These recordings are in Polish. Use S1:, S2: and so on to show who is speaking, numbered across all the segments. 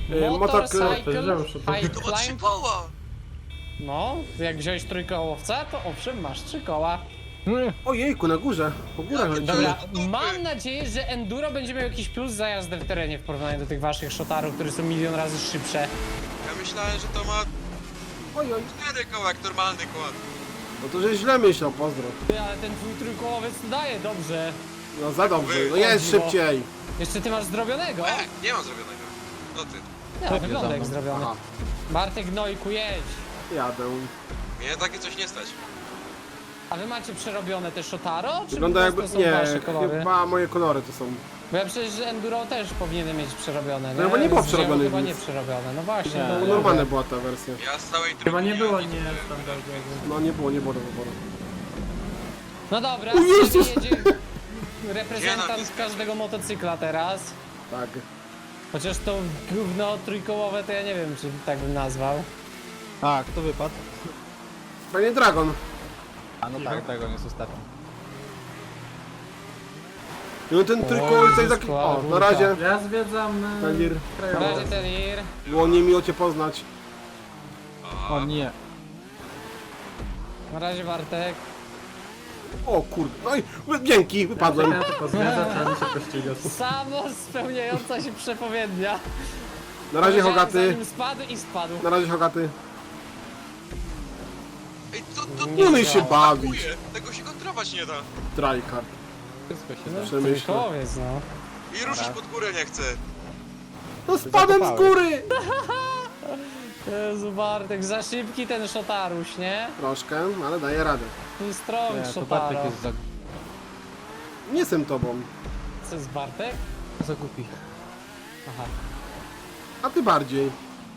S1: Motorcycle
S2: High
S3: To ma 3
S2: Climb.
S3: koła!
S2: No, jak wziąłeś trójkołowca, to owszem, masz 3 koła.
S1: Ojejku, na górze. Po górach lecimy.
S2: Dobra, mam nadzieję, że Enduro będzie miał jakiś plus za jazdę w terenie w porównaniu do tych waszych szotarów, które są milion razy szybsze.
S3: Ja myślałem, że to ma
S1: Oj, oj.
S3: 4 koła jak normalny kład.
S1: No to żeś źle myślał, pozdro.
S2: Ty, ale ten twój trójkołowiec to daje dobrze.
S1: No za dobrze, no
S2: O
S1: jest
S2: dziwo.
S1: szybciej.
S2: Jeszcze ty masz zrobionego?
S3: Nie mam zrobionego. No ty.
S2: Nie, wygląda jak zrobiony.
S1: Aha,
S2: Bartek Gnojku, jedź.
S1: jadę.
S3: Mnie takie coś nie stać.
S2: A wy macie przerobione te Shotaro? Czy
S1: Wygląda
S2: po
S1: jakby,
S2: prostu są wasze
S1: nie,
S2: kolory?
S1: chyba moje kolory to są.
S2: Bo ja przecież Enduro też powinienem mieć przerobione, nie?
S1: No bo nie było
S2: Z drzewa
S1: przerobione
S2: Chyba
S1: nic.
S2: nie przerobione, no właśnie.
S4: Nie.
S2: No,
S1: Bo normalna była ta wersja.
S3: Ja z całej trójki
S4: Chyba nie było
S3: nic
S4: nie standardowo.
S1: No nie było do wyboru.
S2: No dobra,
S1: O Jezus!
S2: jedzie reprezentant każdego motocykla teraz.
S1: Tak.
S2: Chociaż to gówno trójkołowe to ja nie wiem, czy tak bym nazwał.
S5: A, kto wypadł?
S1: Panie Dragon.
S5: A no tak, tego nie jest ostatni.
S1: No ten trójkołowy jest taki... O, na razie.
S4: Ja zwiedzam
S1: Talir.
S2: Na razie
S4: krajobraz.
S2: ten ir.
S1: Było niemiło cię poznać.
S5: O nie.
S2: Na razie Bartek.
S1: O kurde, no i dzięki, wypadłem.
S4: Ja tylko zwiedzać, a nie się pościgać.
S2: Samo spełniająca się przepowiednia.
S1: Na razie
S2: Powiedziałem,
S1: Hogaty.
S2: Zanim spadł i spadł.
S1: Na razie Hogaty.
S3: Ej, to
S1: Nie umiej się bawić.
S3: brakuje. Tego się kontrować nie da.
S1: Tryhard.
S5: Wszystko się
S2: No,
S5: da.
S1: Przemyślę.
S2: trójkołowiec, no.
S3: I ruszyć pod górę nie chcę.
S1: No spadłem z góry!
S2: Jezu Bartek, za szybki ten szotaruś, nie?
S1: Troszkę, ale daję radę.
S2: Ten strong
S5: Nie, to
S2: szotaro.
S5: Bartek jest
S1: Nie jestem tobą,
S2: Co jest Bartek?
S5: za głupi.
S2: Aha.
S1: a ty bardziej.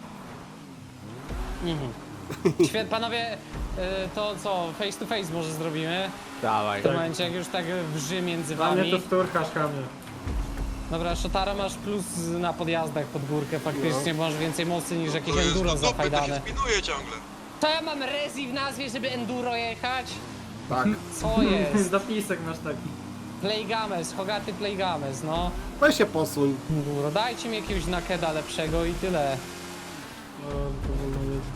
S2: Świetnie, panowie, to co, face to face może zrobimy?
S5: Dawaj.
S2: W tym momencie, jak już tak wrzy między
S4: Dla mnie to
S2: wami.
S4: szturchasz kamie.
S2: Dobra, Shotara masz plus na podjazdach pod górkę, faktycznie masz więcej mocy niż jakieś
S3: To jest
S2: enduro
S3: do dupy, to się
S2: zafajdane.
S3: spinuje ciągle.
S2: To ja mam rezi w nazwie, żeby enduro jechać?
S1: Tak.
S2: Co jest?
S4: Zapisek masz taki.
S2: Playgames, Hogaty Playgames, no.
S1: Weź się posuń.
S2: Enduro, dajcie mi jakiegoś nakeda lepszego i tyle.
S4: O, powolno jedzie.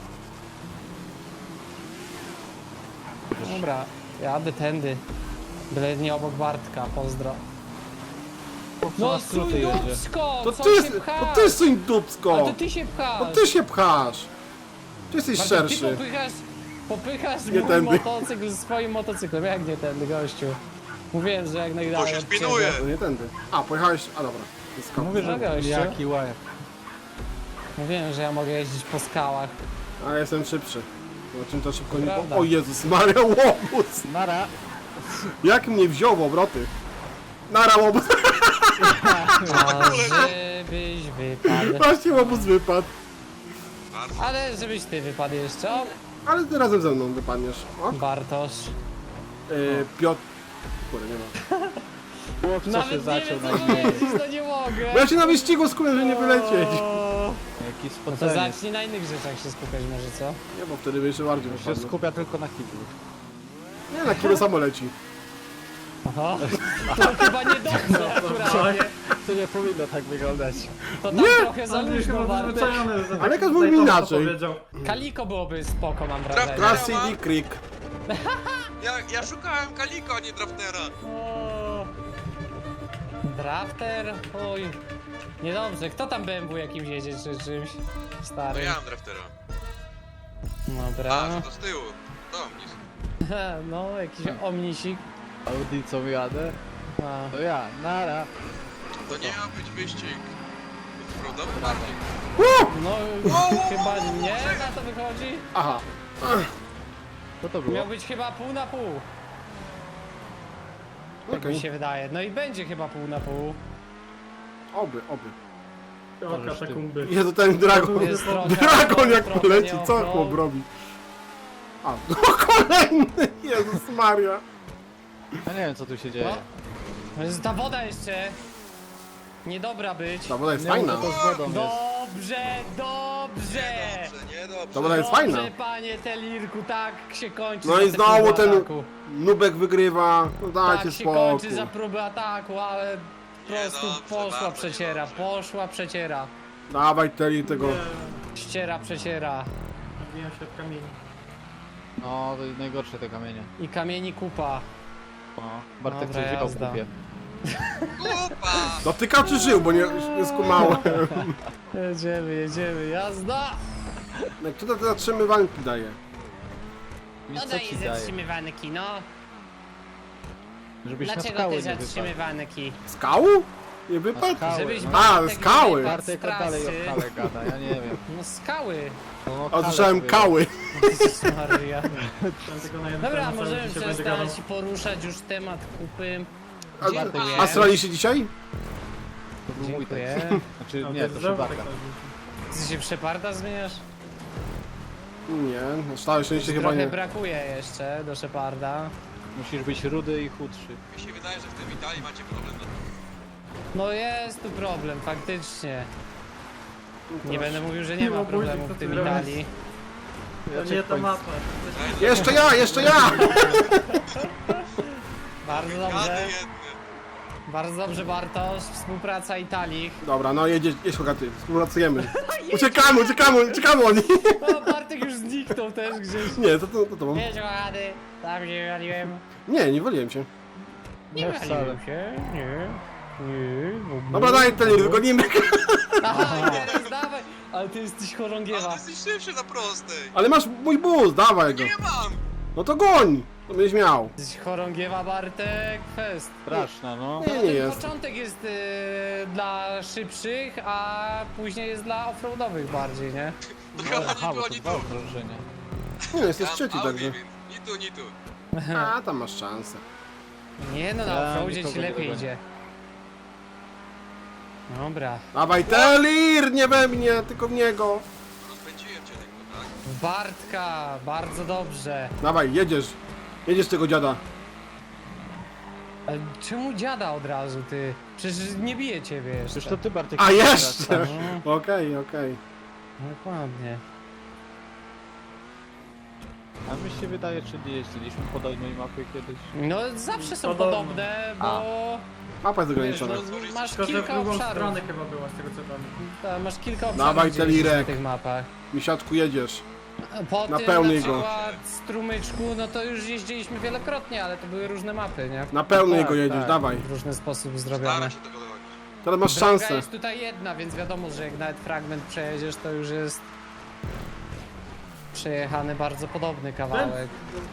S2: Dobra, jadę tędy. Byle nie obok Bartka, pozdro. No
S5: na skróty jedzie.
S2: dupsko,
S1: To
S2: co
S1: ty,
S2: się pchasz?
S1: to ty suń
S2: Ale
S1: dupsko.
S2: to ty się pchasz.
S1: To ty się pchasz. Ty jesteś
S2: Bartek, ty
S1: szerszy.
S2: popychasz
S1: Nie
S2: mój
S1: tędy.
S2: motocykl swoim motocyklem. Jak nie tędy, gościu? Mówiłem, że jak najdalej
S3: To się
S2: od ciebie.
S3: spinuje.
S1: To nie tędy. A, pojechałeś... A dobra. To jest
S5: Mówię, że
S2: No gościu.
S5: jaki łeb.
S2: Mówiłem, że ja mogę jeździć po skałach.
S1: A ja jestem szybszy. O czym to szybko nie...
S2: Prawda.
S1: O Jezus Maria, łobuz!
S5: Nara.
S1: Jak mnie wziął w obroty. Nara łobuz.
S2: A żebyś wypadł.
S1: Właśnie łobuz wypadł.
S3: Bardzo.
S2: Ale żebyś ty wypadł jeszcze. O,
S1: Ale ty razem ze mną wypadniesz. O,
S2: Bartosz.
S1: Piotr... Kurde, nie ma.
S5: Chłop, co się
S2: Nawet nie
S5: zaczął
S2: wiem,
S5: na
S2: co
S5: niej.
S2: powiedzieć, no nie mogę.
S1: Bo ja się na wyścigu skupiam, że nie wylecieć.
S2: O,
S5: Jaki
S2: No to
S5: spoceniec.
S2: zacznij na innych rzeczach się skupiać może, co?
S1: Nie, bo wtedy by jeszcze bardziej
S5: Się
S1: wypadł.
S5: skupia tylko na kiblu.
S1: Nie, na kilo samo leci.
S2: Aha. To chyba niedobrze akurat.
S5: To nie powinno tak wyglądać.
S2: To tam
S1: Nie!
S2: trochę za
S4: Ale już
S2: luźno,
S4: chyba
S2: Bartek.
S4: przyzwyczajony, że
S1: Ale
S4: tak
S1: jak mówił
S4: tutaj to
S1: inaczej.
S4: powiedział.
S2: Kaliko byłoby spoko, mam wrażenie.
S3: Traf-
S1: Classy Creek.
S3: Ja szukałem Kaliko, a nie Draftera.
S2: O, Drafter? Oj. Niedobrze. Kto tam BMW jakimś jedzie czy czymś?
S3: To
S2: Stary.
S3: ja mam Draftera.
S2: Dobra.
S3: A, to z tyłu. To omnis.
S2: No, jakiś omnisik.
S5: Audi co jadę?
S2: A.
S5: To ja. Nara.
S3: To nie miał być wyścig. Prawda? Bardziej.
S2: No, chyba nie na to wychodzi.
S1: Aha.
S5: Co to było?
S2: Miał być chyba pół na pół. Tak mi
S1: Okej.
S2: się wydaje. No i będzie chyba pół na pół.
S1: Oby.
S4: O, katakumby.
S1: Jezu, ten dragon.
S2: Jest trochę
S1: Dragon jak
S2: trochę
S1: poleci, co
S2: nieochron.
S1: chłop robi? A, no kolejny! Jezus Maria.
S5: Ja nie wiem co tu się dzieje.
S2: No. To jest ta woda jeszcze. Niedobra być.
S1: Ta woda jest
S5: Nie
S1: fajna.
S5: mów, to z wodą jest.
S2: Dobrze, dobrze.
S3: Niedobrze.
S1: Ta woda jest
S2: Dobrze,
S1: fajna.
S2: panie Telirku, tak się kończy.
S1: No
S2: za
S1: i
S2: te
S1: znowu
S2: próby
S1: ten
S2: ataku.
S1: Nubek wygrywa. No dajcie
S2: Tak się kończy
S1: spokój.
S2: za próbę ataku, ale po prostu
S3: Niedobrze,
S2: poszła
S3: bardzo
S2: przeciera,
S3: niedobrze.
S2: poszła przeciera.
S1: Dawaj Teli tego.
S4: Nie,
S2: Ściera, przeciera.
S4: wbijam się w kamień.
S5: No, to jest najgorsze te kamienie.
S2: I kamieni kupa.
S5: No. Bartek
S2: Dobra,
S5: coś wziął w
S2: jazda.
S5: kupie.
S3: Kupa!
S1: Dotyka czy żył, bo nie skumałem.
S2: Jedziemy, jazda!
S1: Jak tutaj te zatrzymywanki daje?
S5: Mi co ci daje?
S2: zatrzymywanki, no.
S5: Żebyś na
S2: Dlaczego
S5: skały
S2: te
S5: nie wypadł.
S2: zatrzymywanki?
S1: Skału? Nie wypadł?
S5: Skały,
S2: Żebyś
S5: no.
S2: Bartek
S1: skały.
S2: nie wypadł
S5: Bartek
S2: z
S5: dalej
S2: trasy.
S5: o kale gada, ja nie wiem.
S2: No skały.
S5: No,
S1: A słyszałem
S5: kale
S1: kały.
S2: Jezus Maria.
S4: Chciałem tylko na jednym
S2: Dobra,
S4: samym
S2: możemy
S4: się będzie gadał.
S2: przestać poruszać już temat kupy.
S1: A,
S2: Dziękuję.
S1: a strzelaliście dzisiaj?
S5: To był mój
S2: Dziękuję.
S5: tekst. Znaczy,
S4: A,
S5: nie, to
S4: znowu
S5: Bartka.
S4: tak robisz.
S2: Ty się Sheparda zmieniasz?
S1: Nie, na całe szczęście chyba
S2: Trochę
S1: nie.
S2: brakuje jeszcze do Sheparda.
S5: Musisz być rudy i chudszy.
S3: Mi się wydaje, że w tym Italii macie problem na...
S2: No jest tu problem, faktycznie. Nie
S1: Proszę.
S2: będę mówił, że nie ma
S4: No, buzik,
S2: problemu
S4: co
S2: w
S4: ty
S2: tym
S4: robisz?
S2: Italii.
S4: To nie ta mapa.
S1: Jeszcze ja!
S2: Bardzo
S3: Gady
S2: dobrze,
S3: jedne.
S2: bardzo dobrze Bartosz, współpraca Italii.
S1: Dobra, no jedź Hogaty, współpracujemy. Uciekamy oni.
S2: O, Bartek już zniknął też gdzieś.
S1: Nie, to tobą.
S2: Jedź kochany, tam się wywaliłem.
S1: Nie waliłem się.
S2: Nie
S5: Nie
S2: wywaliłem
S5: wcale.
S2: się, nie.
S1: Dobra, daj Teli, wygonimy.
S2: Aha, teraz dawaj, ale ty jesteś
S3: Ale
S2: chorągiewa.
S3: ty jesteś szybszy na prostej.
S1: Ale masz mój bus, dawaj go.
S3: Nie mam!
S1: No to goń! To będziesz miał.
S2: Jesteś chorągiewa Bartek, fest.
S5: Straszna, no.
S1: Nie, nie
S2: Ten
S1: jest.
S2: początek jest dla szybszych, a później jest dla offroadowych bardziej, nie?
S3: To
S5: No,
S3: chyba
S5: aha,
S3: nie
S5: bo
S3: było
S5: to
S3: ni
S5: dwa
S3: tu.
S5: okrążenia.
S1: Nie, jesteś
S3: Ja
S1: trzeci
S3: mam Audi,
S1: także.
S3: więc ni tu.
S1: A, tam masz szansę.
S2: Nie no, na
S5: Ja
S2: offroadzie ci
S5: nikogo nie
S2: lepiej
S5: dogonię.
S2: idzie. Dobra.
S1: Dawaj Telir, nie we mnie, tylko w niego.
S3: Rozpędziłem cię lekko, tak?
S2: Bartka, bardzo dobrze.
S1: Dawaj, jedziesz. Jedziesz tego dziada.
S2: Ale czemu dziada od razu, ty? Przecież nie bije ciebie jeszcze.
S5: Przecież to ty, Bartek.
S1: A
S5: teraz
S1: jeszcze!
S5: stasz.
S1: Okej.
S2: Dokładnie.
S5: A mi się wydaje, czy nie jeździliśmy podobnej mapy kiedyś.
S2: No zawsze są
S4: Podobno.
S2: podobne, bo
S1: Mapa jest
S2: wiesz,
S1: ograniczona.
S2: no, masz
S4: Tylko, że w
S2: kilka
S4: drugą
S2: obszarów.
S4: stronę chyba była, z tego co pamiętam.
S2: Masz kilka obszarów,
S1: Dawaj,
S2: gdzie jeździsz
S1: Telirek.
S2: na tych mapach.
S1: Misiaczku, jedziesz.
S2: Po tym
S1: Napełnij
S2: na
S1: go.
S2: przykład strumyczku, no to już jeździliśmy wielokrotnie, ale to były różne mapy, nie?
S1: Na pełnej
S5: Tak,
S1: go jedziesz,
S5: tak.
S1: dawaj.
S2: W różny sposób zrobione.
S3: Staram się tego dogonić.
S1: Teraz masz
S2: Droga
S1: szansę.
S2: jest tutaj jedna, więc wiadomo, że jak nawet fragment przejedziesz, to już jest przejechany bardzo podobny kawałek.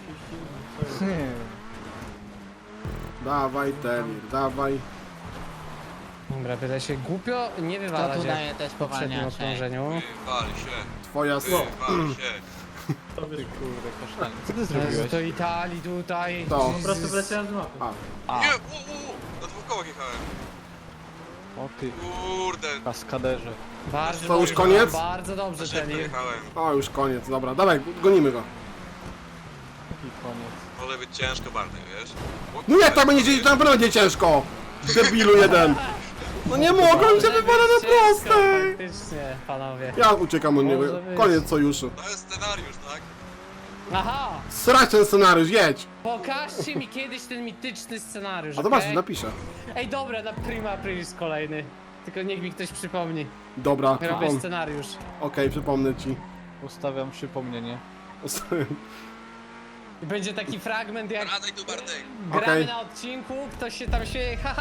S1: Dawaj Telir, dawaj.
S2: Dobra, byle się głupio nie wywalać
S6: tu
S2: jak
S6: daje też
S2: w poprzednim
S6: powalniacze?
S2: okrążeniu.
S3: Wywal się.
S1: Twoja
S3: Wywal się.
S4: To
S5: Ty
S4: wiesz,
S5: kurde, kasztanie. Co ty
S2: Jezu,
S5: zrobiłeś?
S2: to Italii tutaj.
S1: To.
S4: po prostu wleciałem z mapy.
S5: A,
S3: Nie, na dwóch kołach jechałem.
S5: o ty,
S3: Kurde.
S5: kaskaderze.
S2: Bardzo
S1: To już
S2: dobrze,
S1: koniec?
S2: Bardzo dobrze,
S3: Za szybko
S2: Telir.
S3: jechałem.
S1: O, już koniec, dobra. Dawaj, gonimy go.
S5: I koniec.
S3: Może być ciężko, Bartek, wiesz?
S1: No jak tam będzie, to na pewno będzie ciężko. Debilu jeden. No nie mogę, mi się wypada na
S2: Ciężko,
S1: prostej.
S2: Faktycznie, panowie.
S1: Ja uciekam od niego.
S2: Może być.
S1: Koniec sojuszu.
S3: To jest scenariusz, tak?
S2: Aha!
S1: Srać ten scenariusz, jedź.
S2: Pokażcie mi kiedyś ten mityczny scenariusz,
S1: A zobacz,
S2: okej?
S1: napiszę.
S2: Ej, dobra, na Prima Aprilis kolejny. Tylko niech mi ktoś przypomni.
S1: Dobra,
S2: Robię
S1: przypomnę.
S2: scenariusz.
S1: Okej, przypomnę ci.
S5: Ustawiam przypomnienie.
S2: I będzie taki fragment, jak
S3: Radaj tu, Bartek.
S2: gramy
S1: Okej.
S2: na odcinku, ktoś się tam śmieje, haha,